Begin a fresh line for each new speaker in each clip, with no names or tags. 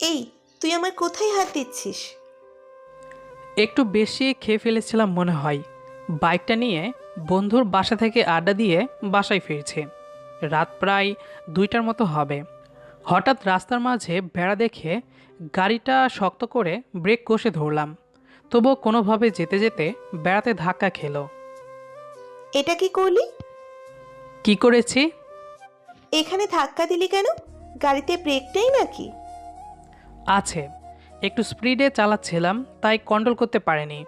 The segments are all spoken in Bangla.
এই, তুই আমার কোথায় হাত দিচ্ছিস?
একটু বেশি খেয়ে ফেলেছিলাম মনে হয়। বাইকটা নিয়ে বন্ধুর বাসা থেকে আড্ডা দিয়ে বাসায় ফিরছি। রাত প্রায় 2টার মতো হবে। হঠাৎ রাস্তার মাঝে বেড়া দেখে গাড়িটা শক্ত করে ব্রেক কষে ধরলাম। তবুও কোনোভাবে যেতে যেতে বেড়াতে ধাক্কা খেলো।
এটা কি করলি?
কি করেছি?
এখানে ধাক্কা দিলি কেন? গাড়িতে ব্রেক নেই নাকি?
আছে, একটু স্পিডে চালাচ্ছিলাম তাই কন্ট্রোল করতে পারিনি।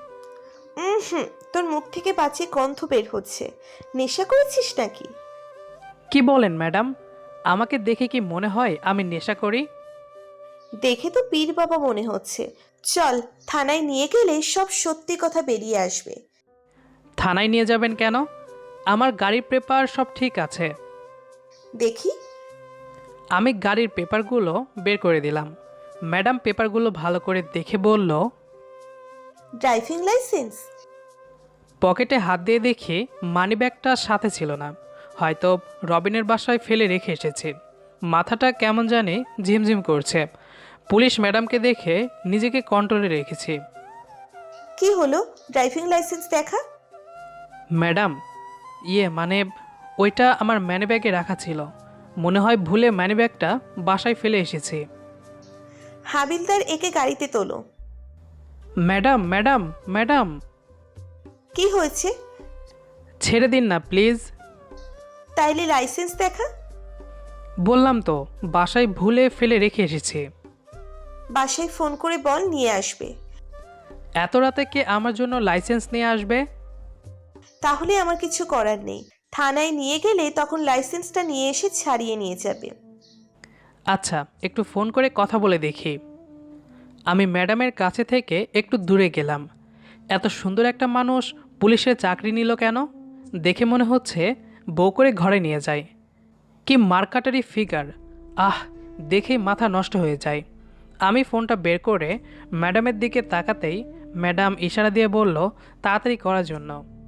হুম, তোর মুখ থেকে বাজে গন্ধ বের হচ্ছে। নেশা করেছিস নাকি?
কি বলেন ম্যাডাম? আমাকে দেখে কি মনে হয় আমি নেশা করি?
দেখে তো পীর বাবা মনে হচ্ছে। চল, থানায় নিয়ে গেলে সব সত্যি কথা বেরিয়ে আসবে।
থানায় নিয়ে যাবেন কেন? আমার গাড়ির পেপার সব ঠিক আছে।
দেখি।
আমি গাড়ির পেপারগুলো বের করে দিলাম। ম্যাডাম পেপারগুলো ভালো করে দেখে বলল।
Driving licence?
পকেটে হাত দিয়ে দেখি মানিব্যাগটা সাথে ছিল না। হয়তো রবিনের বাসায় ফেলে রেখে এসেছি। মাথাটা কেমন জানি ঝিমঝিম করছে। পুলিশ ম্যাডামকে দেখে নিজেকে কন্ট্রোলে রেখেছি।
কি হলো? ড্রাইভিং লাইসেন্স দেখা।
ম্যাডাম, মানে ওইটা আমার মানিব্যাগে রাখা ছিল। মনে হয় ভুলে মানিব্যাগটা বাসায় ফেলে এসেছি।
হাবিলদার, একে গাড়িতে তোলো।
ম্যাডাম ম্যাডাম ম্যাডাম,
কি হয়েছে?
ছেড়ে দিন না প্লিজ।
তাইলে লাইসেন্স দেখা।
বললাম তো বাসায় ভুলে ফেলে রেখে এসেছি।
বাসায় ফোন করে বল নিয়ে আসবে।
এত রাতে কে আমার জন্য লাইসেন্স নিয়ে আসবে?
তাহলে আমার কিছু করার নেই। থানায় নিয়ে গেলে তখন লাইসেন্সটা নিয়ে এসে ছাড়িয়ে নিয়ে যাবে।
আচ্ছা, একটু ফোন করে কথা বলে দেখি। আমি ম্যাডামের কাছে থেকে একটু দূরে গেলাম। এত সুন্দর একটা মানুষ পুলিশের চাকরি নিল কেন? দেখে মনে হচ্ছে বউ করে ঘরে নিয়ে যায়। কি মার্কাটারি ফিগার! আহ, দেখেই মাথা নষ্ট হয়ে যায়। আমি ফোনটা বের করে ম্যাডামের দিকে তাকাতেই ম্যাডাম ইশারা দিয়ে বলল তাড়াতাড়ি করার জন্য।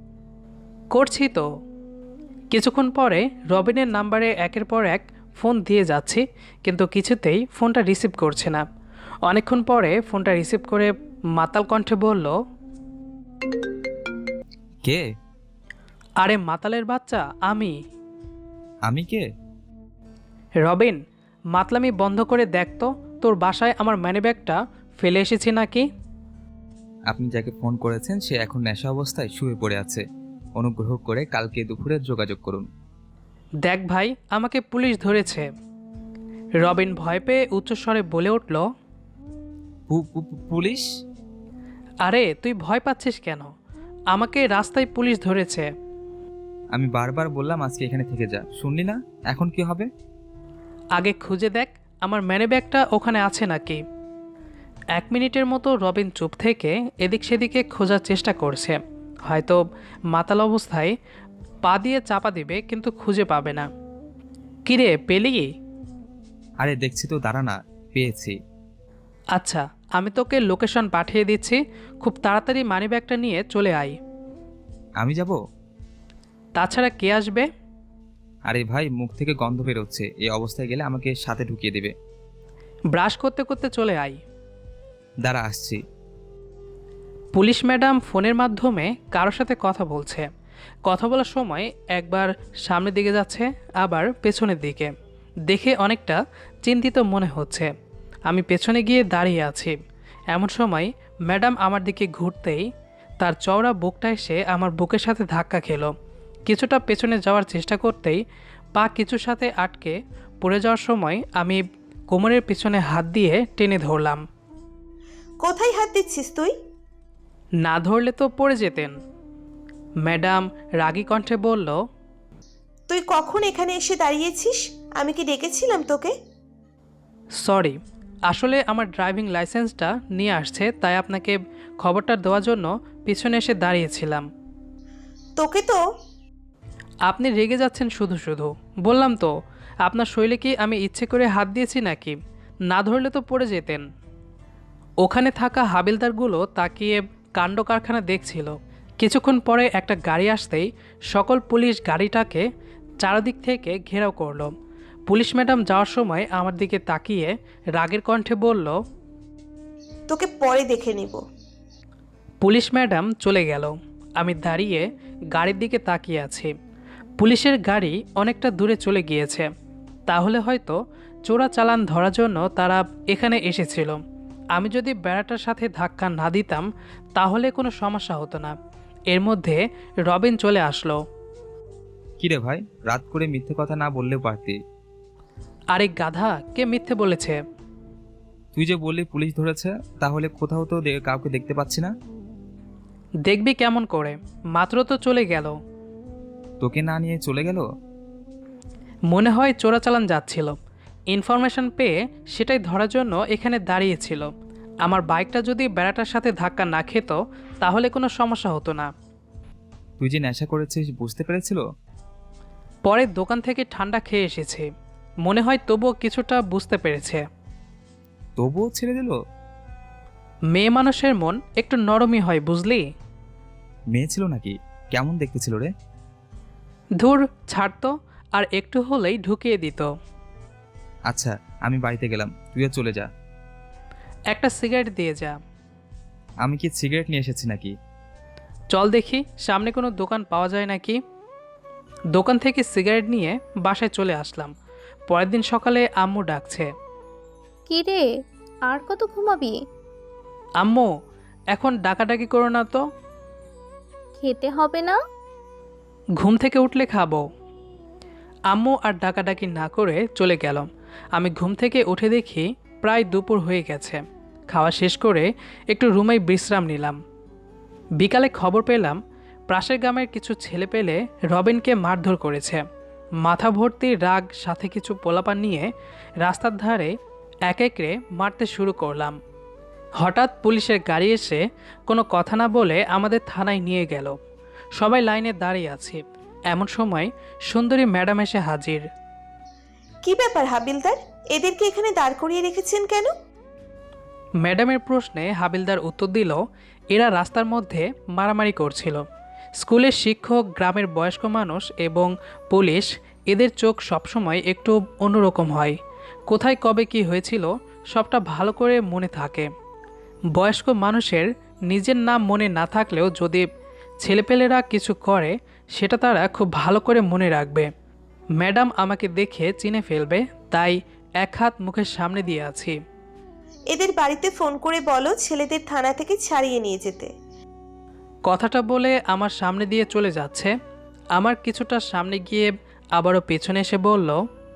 করছি তো। কিছুক্ষণ পরে রবিনের নাম্বারে একের পর এক ফোন দিয়ে যাচ্ছি, কিন্তু কিছুতেই ফোনটা রিসিভ করছে না। অনেকক্ষণ পরে ফোনটা রিসিভ করে মাতাল কণ্ঠে বলল,
কে?
আরে মাতালের বাচ্চা, আমি।
আমি কে?
রবিন, মাতলামি বন্ধ করে দেখ তো তোর বাসায় আমার মানিব্যাগটা ফেলে এসেছি নাকি।
আপনি যাকে ফোন করেছেন সে এখন নেশা অবস্থায় শুয়ে পড়ে আছে। অনুগ্রহ করে কালকে দুপুরে যোগাযোগ করুন।
দেখ ভাই, আমাকে পুলিশ ধরেছে। রবিন ভয় পেয়ে উচ্চস্বরে বলে উঠল,
পুলিশ?
আরে তুই ভয় পাচ্ছিস কেন? আমাকে রাস্তায় পুলিশ ধরেছে।
আমি বারবার বললাম আজকে এখানে থেকে যা, শুনলি না? এখন কি হবে?
আগে খুঁজে দেখ আমার মানিব্যাগটা ওখানে আছে নাকি। 1 মিনিটের মতো রবিন চুপ থেকে এদিক সেদিকে খোঁজার চেষ্টা করছে। হয়তো মাতাল অবস্থায় পা দিয়ে চাপা দিবে, কিন্তু খুঁজে পাবে না। কিরে, পেলি?
আরে দেখছি তো, দাঁড়া না। পেয়েছি।
আচ্ছা, আমি তোকে লোকেশন পাঠিয়ে দিচ্ছি। খুব তাড়াতাড়ি মানিব্যাগটা নিয়ে চলে আয়।
আমি যাব?
তাছাড়া কে আসবে?
আরে ভাই, মুখ থেকে গন্ধ বেরোচ্ছে। এই অবস্থায় গেলে আমাকে সাথে ঢুকিয়ে দেবে।
ব্রাশ করতে করতে চলে আয়।
দাঁড়া, আসছি।
পুলিশ ম্যাডাম ফোনের মাধ্যমে কারোর সাথে কথা বলছে। কথা বলার সময় একবার সামনের দিকে যাচ্ছে, আবার পেছনের দিকে। দেখে অনেকটা চিন্তিত মনে হচ্ছে। আমি পেছনে গিয়ে দাঁড়িয়ে আছি। এমন সময় ম্যাডাম আমার দিকে ঘুরতেই তার চওড়া বুকটা এসে আমার বুকের সাথে ধাক্কা খেলো। কিছুটা পেছনে যাওয়ার চেষ্টা করতেই পা কিছুর সাথে আটকে পড়ে যাওয়ার সময় আমি কোমরের পিছনে হাত দিয়ে টেনে ধরলাম।
কোথায় হাত দিচ্ছিস তুই?
না ধরলে তো পড়ে যেতেন। ম্যাডাম রাগী কণ্ঠে বলল,
তুই কখন এখানে এসে দাঁড়িয়েছিস? আমি কি ডেকেছিলাম তোকে?
সরি, আসলে আমার ড্রাইভিং লাইসেন্সটা নিয়ে আসছে, তাই আপনাকে খবরটা দেওয়ার জন্য পিছনে এসে দাঁড়িয়েছিলাম।
তোকে তো।
আপনি রেগে যাচ্ছেন শুধু শুধু। বললাম তো, আপনার শৈলে কি আমি ইচ্ছে করে হাত দিয়েছি নাকি? না ধরলে তো পড়ে যেতেন। ওখানে থাকা হাবিলদারগুলো তাকিয়ে কাণ্ড কারখানা দেখছিল। কিছুক্ষণ পরে একটা গাড়ি আসতেই সকল পুলিশ গাড়িটাকে চারদিক থেকে ঘেরাও করলো। পুলিশ ম্যাডাম যাওয়ার সময় আমার দিকে তাকিয়ে রাগের কণ্ঠে বলল,
তোকে পরে দেখে নিব।
পুলিশ ম্যাডাম চলে গেল। আমি দাঁড়িয়ে গাড়ির দিকে তাকিয়ে আছি। পুলিশের গাড়ি অনেকটা দূরে চলে গিয়েছে। তাহলে হয়তো চোরাচালান ধরার জন্য তারা এখানে এসেছিল। আমি যদি বেড়াটার সাথে ধাক্কা না দিতাম তাহলে কোনো সমস্যা হতো না। এর মধ্যে রবিন চলে আসলো।
কিরে ভাই, রাত করে মিথ্যে কথা না বললেও পারতি।
আরে গাধা, কে মিথ্যে বলেছে?
তুই যে বললি পুলিশ ধরেছে, তাহলে কোথাও তো কাউকে দেখতে পাচ্ছি না।
দেখবি কেমন করে? মাত্র তো চলে গেল।
তোকে না নিয়ে চলে গেল?
মনে হয় চোরাচালান যাচ্ছিল। ইনফরমেশন পেয়ে সেটাই ধরার জন্য এখানে দাঁড়িয়েছিল। আমার বাইকটা যদি বেড়াটার সাথে ধাক্কা না খেত তাহলে কোনো সমস্যা হতো না।
তুই যে নেশা করেছিস বুঝতে পেরেছিল?
পরে দোকান থেকে ঠান্ডা খেয়ে এসেছে, মনে হয় তবুও কিছুটা বুঝতে পেরেছে।
তবুও ছেড়ে দিল?
মেয়ে মানুষের মন একটু নরমই হয়, বুঝলি?
মেয়ে ছিল নাকি? কেমন দেখতে ছিল রে?
ধুর, ছাড়তো, আর একটু হলেই ঢুকিয়ে দিত।
আচ্ছা, আমি বাড়িতে গেলাম, তুইও চলে যা।
একটা সিগারেট দিয়ে যা।
আমি কি সিগারেট নিয়ে এসেছি নাকি?
চল দেখি সামনে কোনো দোকান পাওয়া যায় নাকি। দোকান থেকে সিগারেট নিয়ে বাসায় চলে আসলাম। পরের দিন সকালে আম্মু ডাকছে।
কি রে, আর কত ঘুমাবি?
আম্মু, এখন ডাকাডাকি করো না তো।
খেতে হবে না?
ঘুম থেকে উঠলে খাবো। আম্মু আর ডাকাডাকি না করে চলে গেলাম। আমি ঘুম থেকে উঠে দেখি প্রায় দুপুর হয়ে গেছে। খাওয়া শেষ করে একটু রুমেই বিশ্রাম নিলাম। বিকালে খবর পেলাম পাশের গ্রামের কিছু ছেলে পেলে রবিনকে মারধর করেছে। মাথা ভর্তি রাগ সাথে কিছু পোলাপান নিয়ে রাস্তার ধারে এক একরে মারতে শুরু করলাম। হঠাৎ পুলিশের গাড়ি এসে কোনো কথা না বলে আমাদের থানায় নিয়ে গেল। সবাই লাইনে দাঁড়িয়ে আছে। এমন সময় সুন্দরী ম্যাডাম এসে হাজির।
কি ব্যাপার হাবিলদার, এদেরকে এখানে দাঁড় করিয়ে রেখেছেন কেন?
ম্যাডামের প্রশ্নে হাবিলদার উত্তর দিল, এরা রাস্তার মধ্যে মারামারি করছিল। স্কুলের শিক্ষক, গ্রামের বয়স্ক মানুষ এবং পুলিশ, এদের চোখ সবসময় একটু অন্যরকম হয়। কোথায় কবে কি হয়েছিল সবটা ভালো করে মনে থাকে। বয়স্ক মানুষের নিজের নাম মনে না থাকলেও যদি ছেলেপেলেরা কিছু করে সেটা তারা খুব ভালো করে মনে রাখবে। ম্যাডাম আমাকে দেখে চিনে ফেলবে, তাই এক হাত মুখের সামনে দিয়ে আছি।
এদের বাড়িতে ফোন করে বলো ছেলেদের থানা থেকে ছাড়িয়ে নিয়ে যেতে।
কথাটা বলে আমার সামনে দিয়ে চলে যাচ্ছে। আমার কিছুটা সামনে গিয়ে আবারও পেছনে এসে বলল,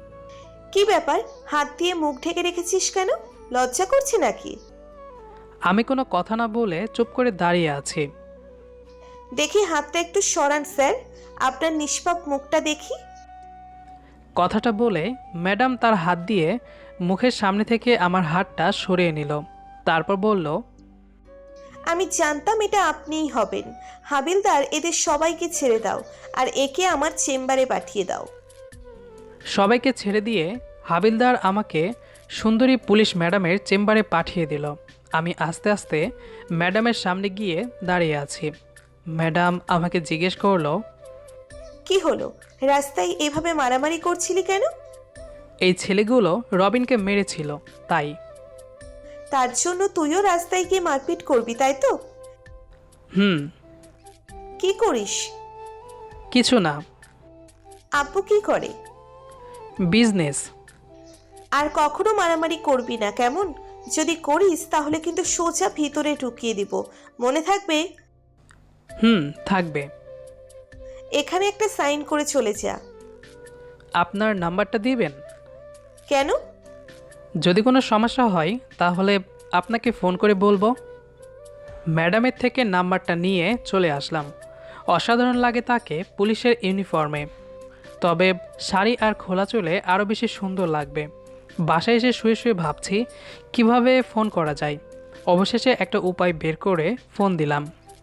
কি ব্যাপার, হাত দিয়ে মুখ ঢেকে রেখেছিস কেন? লজ্জা করছে নাকি?
আমি কোনো কথা না বলে চুপ করে দাঁড়িয়ে আছি।
দেখি হাতটা একটু সরান স্যার, আপনার নিষ্পাপ মুখটা দেখি।
কথাটা বলে ম্যাডাম তার হাত দিয়ে মুখের সামনে থেকে আমার হাতটা সরিয়ে নিল। তারপর বলল,
আমি জানতাম এটা আপনিই হবেন। হাবিলদার, এদের সবাইকে ছেড়ে দাও আর একে আমার চেম্বারে পাঠিয়ে দাও।
সবাইকে ছেড়ে দিয়ে হাবিলদার আমাকে সুন্দরী পুলিশ ম্যাডামের চেম্বারে পাঠিয়ে দিল। আমি আস্তে আস্তে ম্যাডামের সামনে গিয়ে দাঁড়িয়ে আছি। ম্যাডাম আমাকে জিজ্ঞেস করলো,
কি হলো, রাস্তায় এভাবে মারামারি করছিলি কেন?
এই ছেলেগুলো রবিনকে মেরেছিল তাই।
তার জন্য তুইও রাস্তায় গিয়ে মারপিট করবি, তাই তো?
হুম।
কি করিস?
কিছু না।
আব্বু কি করে?
বিজনেস।
আর কখনো মারামারি করবি না, কেমন? যদি করিস তাহলে কিন্তু সোজা ভিতরে ঢুকিয়ে দিব, মনে থাকবে।
হুম, থাকবে।
এখানে একটা সাইন করে চলে যা।
আপনার নাম্বারটা দিবেন?
কেন?
যদি কোনো সমস্যা হয় তাহলে আপনাকে ফোন করে বলবো। ম্যাডামের থেকে নাম্বারটা নিয়ে চলে আসলাম। অসাধারণ লাগে তাকে পুলিশের ইউনিফর্মে, তবে শাড়ি আর খোলা চুলে আরও বেশি সুন্দর লাগবে। বাসায় এসে শুয়ে শুয়ে ভাবছি কিভাবে ফোন করা যায়। অবশেষে একটা উপায় বের করে ফোন দিলাম।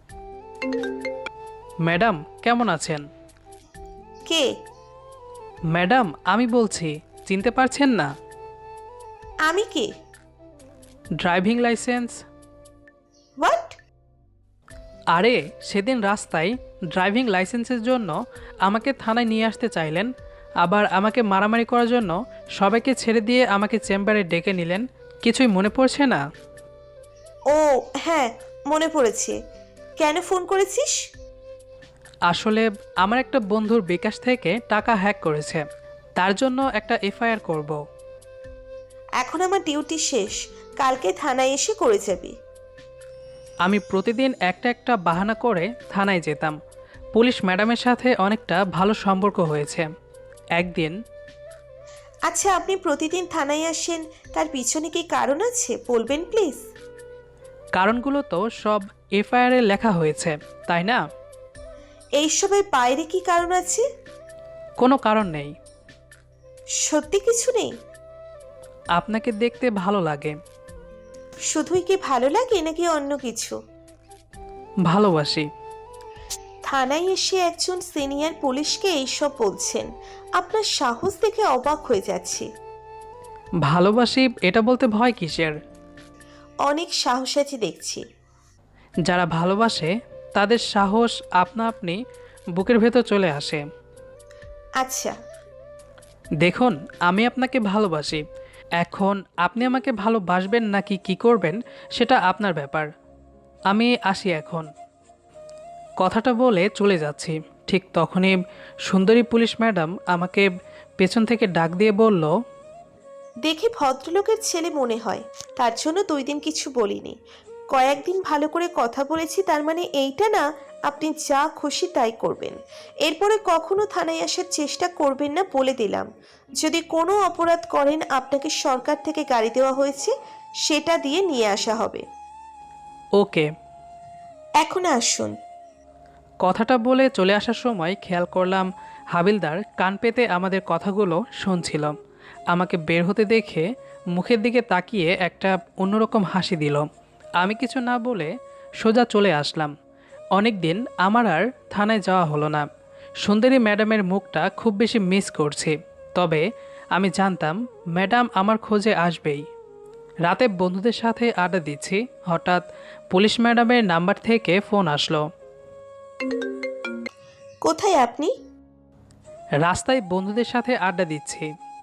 ম্যাডাম কেমন আছেন?
কে?
ম্যাডাম আমি বলছি, চিনতে পারছেন না?
আমি কে?
Driving licence.
হোয়াট?
আরে সেদিন রাস্তায় ড্রাইভিং লাইসেন্সের জন্য আমাকে থানায় নিয়ে আসতে চাইলেন, আবার আমাকে মারামারি করার জন্য সবাইকে ছেড়ে দিয়ে আমাকে চেম্বারে ডেকে নিলেন। কিছুই মনে পড়ছে না?
ও হ্যাঁ, মনে পড়েছে। কেন ফোন করেছিস?
আসলে আমার একটা বন্ধুর বিকাশ থেকে টাকা হ্যাক করেছে, তার জন্য একটা এফআইআর করব।
এখন আমার ডিউটি শেষ, কালকে থানায় এসে করে যাবি।
আমি প্রতিদিন একটা একটা বাহানা করে থানায় যেতাম। পুলিশ ম্যাডামের সাথে অনেকটা ভালো সম্পর্ক হয়েছে। একদিন
আচ্ছা, আপনি প্রতিদিন থানায় আসেন, তার পিছনে কি কারণ আছে বলবেন প্লিজ?
কারণগুলো তো সব এফআইআরে লেখা হয়েছে, তাই না?
এইসবের বাইরে কি কারণ আছে?
কোনো কারণ নেই।
সত্যি কিছু নেই?
আপনাকে দেখতে ভালো লাগে।
শুধুই কি ভালো লাগে নাকি অন্য কিছু?
ভালোবাসি।
থানায় এসে একজন সিনিয়র পুলিশকে এইসব বলছেন, আপনার সাহস দেখে অবাক হয়ে যাচ্ছি।
ভালোবাসি এটা বলতে ভয় কিসের?
অনেক সাহস আছে দেখছি।
যারা ভালোবাসে তাদের সাহস আপনা আপনি বুকের ভেতর চলে আসে।
আচ্ছা,
দেখুন, আমি আপনাকে ভালোবাসি। এখন আপনি আমাকে ভালোবাসবেন নাকি কি করবেন সেটা আপনার ব্যাপার। আমি আসি এখন। কথাটা বলে চলে যাচ্ছি, ঠিক তখনই সুন্দরী পুলিশ ম্যাডাম আমাকে পেছন থেকে ডাক দিয়ে বলল,
দেখে ভদ্রলোকের ছেলে মনে হয়, তার জন্য 2 দিন কিছু বলিনি। কয়েকদিন ভালো করে কথা বলেছি, তার মানে এইটা না আপনি যা খুশি তাই করবেন। এরপরে কখনো থানায় আসার চেষ্টা করবেন না বলে দিলাম। যদি কোনো অপরাধ করেন, আপনাকে সরকার থেকে গাড়ি দেওয়া হয়েছে, সেটা দিয়ে নিয়ে আসা হবে।
ওকে।
এখন আসুন।
কথাটা বলে চলে আসার সময় খেয়াল করলাম হাবিলদার কান পেতে আমাদের কথাগুলো শুনছিল। আমাকে বের হতে দেখে মুখের দিকে তাকিয়ে একটা অন্যরকম হাসি দিল। আমি কিছু না বলে সোজা চলে আসলাম। অনেক দিন আমার আর থানায় যাওয়া হলো না। সুন্দরী ম্যাডামের মুখটা খুব বেশি মিস করছি, তবে আমি জানতাম ম্যাডাম আমার খোঁজে আসবেই। রাতে বন্ধুদের সাথে আড্ডা দিচ্ছি, হঠাৎ পুলিশ ম্যাডামের নাম্বার থেকে ফোন আসলো।
কোথায় আপনি?
রাস্তায় বন্ধুদের সাথে আড্ডা দিচ্ছি।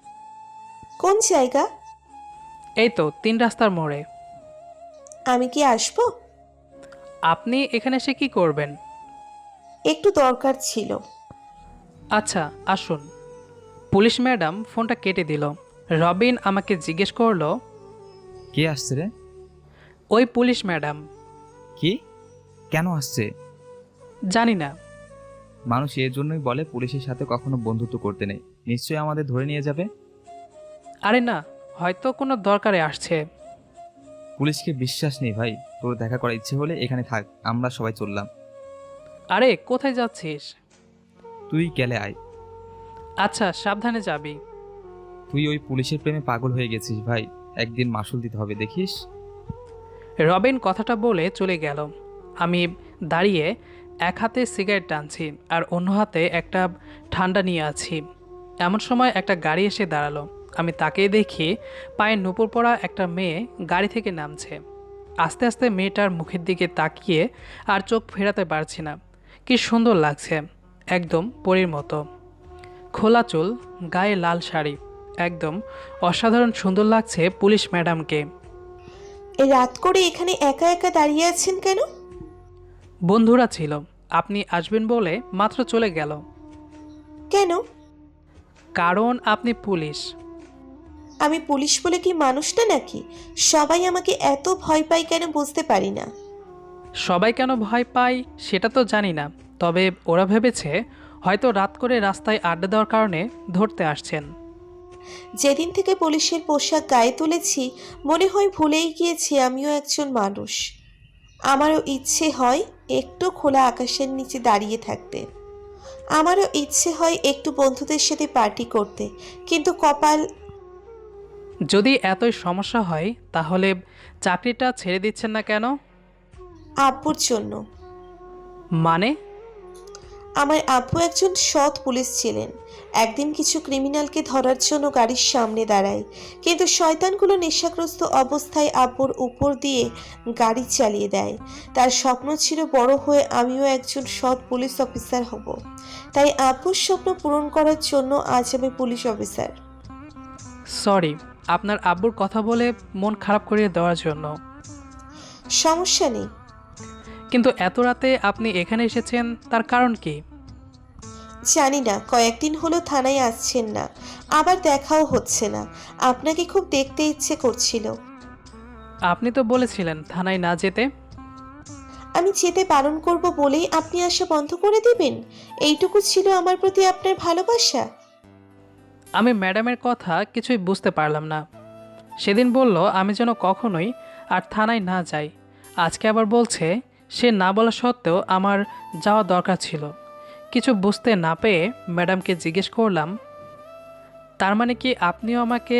কোন জায়গা?
এই তো 3 রাস্তার মোড়ে।
আমি কি আসবো?
আপনি এখানে এসে কি করবেন?
একটু দরকার ছিল।
আচ্ছা, আসুন। পুলিশ ম্যাডাম ফোনটা কেটে দিল। রবিন আমাকে জিজ্ঞেস করলো,
কে আসছে রে?
ওই পুলিশ ম্যাডাম।
কি? কেন আসছে?
জানি না।
মানুষ এর জন্যই বলে পুলিশের সাথে কখনো বন্ধুত্ব করতে নেই। নিশ্চয়ই আমাদের ধরে নিয়ে যাবে।
আরে না, হয়তো কোনো দরকারে আসছে।
পুলিশকে বিশ্বাস নেই ভাই। তোর দেখা করার ইচ্ছে হলে এখানে থাক, আমরা সবাই চললাম।
আরে কোথায় যাচ্ছিস?
তুই গেলে আয়।
আচ্ছা, সাবধানে যাবি।
তুই ওই পুলিশের প্রেমে পাগল হয়ে গেছিস ভাই, একদিন মাসুল দিতে হবে দেখিস।
রবিন কথাটা বলে চলে গেল। আমি দাঁড়িয়ে এক হাতে সিগারেট টানছি আর অন্য হাতে একটা ঠান্ডা নিয়ে আছি। এমন সময় একটা গাড়ি এসে দাঁড়ালো। আমি তাকেই দেখি পায়ে নুপুর পরা একটা মেয়ে গাড়ি থেকে নামছে। আস্তে আস্তে মেয়েটার মুখের দিকে তাকিয়ে আর চোখ ফেরাতে পারছি না। কি সুন্দর লাগছে, একদম পরীর মতো। খোলা চুল, গায়ে লাল শাড়ি, একদম অসাধারণ সুন্দর লাগছে পুলিশ ম্যাডামকে।
এই রাত করে এখানে একা একা দাঁড়িয়ে আছেন কেন?
বন্ধুরা ছিল, আপনি আসবেন বলে মাত্র চলে গেল।
কেন?
কারণ আপনি পুলিশ।
আমি পুলিশ বলে কি মানুষটা নাকি? সবাই আমাকে এত ভয় পায় কেন বুঝতে পারি না।
সবাই কেন ভয় পায় সেটা তো জানি না, তবে ওরা ভেবেছে হয়তো রাত করে রাস্তায় আড্ডা দেওয়ার কারণে ধরতে আসছেন।
যেদিন থেকে পুলিশের পোশাক গায়ে তুলেছি, মনে হয় ভুলেই গিয়েছি আমিও একজন মানুষ। আমারও ইচ্ছে হয় একটু খোলা আকাশের নিচে দাঁড়িয়ে থাকতে। আমারও ইচ্ছে হয় একটু বন্ধুদের সাথে পার্টি করতে, কিন্তু কপাল।
যদি এতই সমস্যা হয় তাহলে চাকরিটা ছেড়ে দিচ্ছেন না কেন?
আব্বুর জন্য।
মানে?
আমার আব্বু একজন সৎ পুলিশ ছিলেন। একদিন কিছু ক্রিমিনালকে ধরার জন্য গাড়ির সামনে দাঁড়ায়, কিন্তু শয়তানগুলো নেশাগ্রস্ত অবস্থায় আব্বুর উপর দিয়ে গাড়ি চালিয়ে দেয়। তার স্বপ্ন ছিল বড় হয়ে আমিও একজন সৎ পুলিশ অফিসার হব। তাই আব্বুর স্বপ্ন পূরণ করার জন্য আজ আমি পুলিশ অফিসার।
সরি আপনার আব্বুর কথা বলে মন খারাপ করিয়ে দেওয়ার জন্য।
সমস্যা নেই।
কিন্তু এত রাতে আপনি এখানে এসেছেন তার কারণ কি?
জানি না, কয়েকদিন হলো থানায় আসছেন না, আবার দেখাও হচ্ছে না। আপনাকে খুব দেখতে ইচ্ছে করছিল।
আপনি তো বলেছিলেন থানায় না যেতে।
আমি যেতে বারণ করব বলেই আপনি আসা বন্ধ করে দিবেন? এইটুকু ছিল আমার প্রতি আপনার ভালোবাসা?
আমি ম্যাডামের কথা কিছুই বুঝতে পারলাম না। সেদিন বলল আমি যেন কখনোই আর থানায় না যাই, আজকে আবার বলছে সে না বলা সত্ত্বেও আমার যাওয়া দরকার ছিল। কিছু বুঝতে না পেয়ে ম্যাডামকে জিজ্ঞেস করলাম, তার মানে কি আপনিও আমাকে?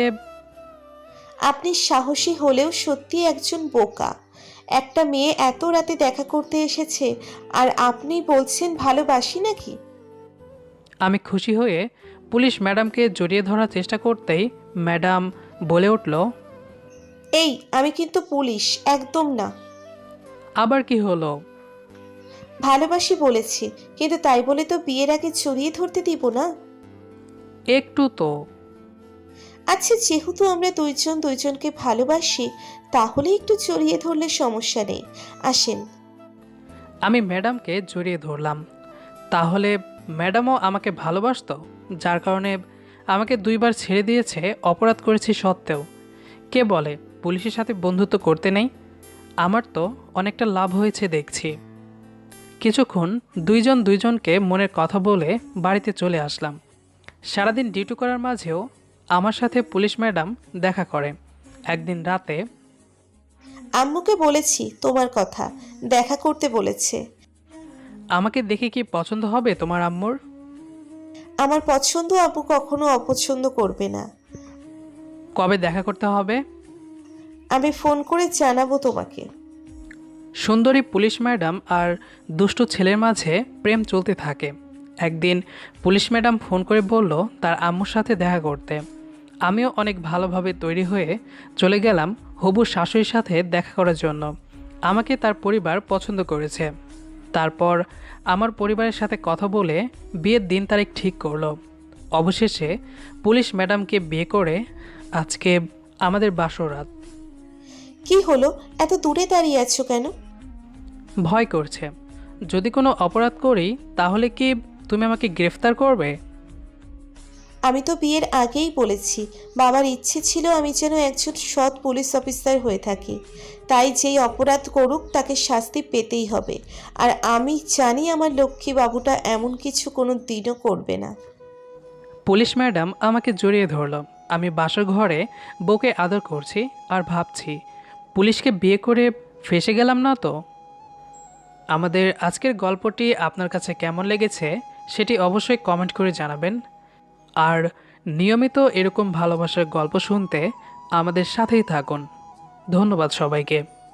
আপনি সাহসী হলেও সত্যি একজন বোকা। একটা মেয়ে এত রাতে দেখা করতে এসেছে, আর আপনি বলছেন ভালোবাসি নাকি?
আমি খুশি হয়ে পুলিশ ম্যাডামকে জড়িয়ে ধরার চেষ্টা করতেই ম্যাডাম বলে উঠল,
এই, আমি কিন্তু পুলিশ একদম না।
আবার কি হলো?
ভালোবাসি বলেছি, কিন্তু তাই বলে তো বিয়ের আগে জড়িয়ে ধরতে দিব না।
একটু তো।
আচ্ছা, যেহেতু আমরা দুইজন দুইজনকে ভালোবাসি, তাহলে একটু জড়িয়ে ধরলে সমস্যা নেই। আসেন।
আমি ম্যাডামকে জড়িয়ে ধরলাম। তাহলে ম্যাডামও আমাকে ভালোবাসতো, যার কারণে আমাকে 2বার ছেড়ে দিয়েছে অপরাধ করেছি সত্ত্বেও। কে বলে পুলিশের সাথে বন্ধুত্ব করতে নেই? আমার তো অনেকটা লাভ হয়েছে দেখছি। কিছুক্ষণ দুইজন দুইজনকে মনের কথা বলে বাড়িতে চলে আসলাম। সারাদিন ডিউটি করার মাঝেও আমার সাথে পুলিশ ম্যাডাম দেখা করে। একদিন রাতে
আম্মুকে বলেছি তোমার কথা, দেখা করতে বলেছে।
আমাকে দেখে কি পছন্দ হবে তোমার আম্মুর?
আমার পছন্দ আব্বু কখনো অপছন্দ করবে না।
কবে দেখা করতে হবে?
আমি ফোন করে জানাবো তোমাকে।
সুন্দরী পুলিশ ম্যাডাম আর দুষ্টু ছেলের মাঝে প্রেম চলতে থাকে। একদিন পুলিশ ম্যাডাম ফোন করে বলল তার আম্মুর সাথে দেখা করতে। আমিও অনেক ভালোভাবে তৈরি হয়ে চলে গেলাম হবু শাশুড়ির সাথে দেখা করার জন্য। আমাকে তার পরিবার পছন্দ করেছে। তারপর আমার পরিবারের সাথে কথা বলে বিয়ের দিন তারিখ ঠিক করলো। অবশেষে পুলিশ ম্যাডামকে বিয়ে করে আজকে আমাদের বাসরাত।
কি হলো, এত দূরে দাঁড়িয়ে আছো কেন?
ভয় করছে, যদি কোনো অপরাধ করি তাহলে কি তুমি আমাকে গ্রেফতার করবে?
আমি তো বিয়ের আগেই বলেছি, বাবার ইচ্ছে ছিল আমি যেন একজন সৎ পুলিশ অফিসার হয়ে থাকি। তাই যেই অপরাধ করুক তাকে শাস্তি পেতেই হবে। আর আমি জানি আমার লক্ষ্মী বাবুটা এমন কিছু কোনো দিনও করবে না।
পুলিশ ম্যাডাম আমাকে জড়িয়ে ধরলো। আমি বাসর ঘরে বউকে আদর করছি আর ভাবছি পুলিশকে বিয়ে করে ফেঁসে গেলাম না তো। আমাদের আজকের গল্পটি আপনার কাছে কেমন লেগেছে সেটি অবশ্যই কমেন্ট করে জানাবেন। আর নিয়মিত এরকম ভালোবাসার গল্প শুনতে আমাদের সাথেই থাকুন। ধন্যবাদ সবাইকে।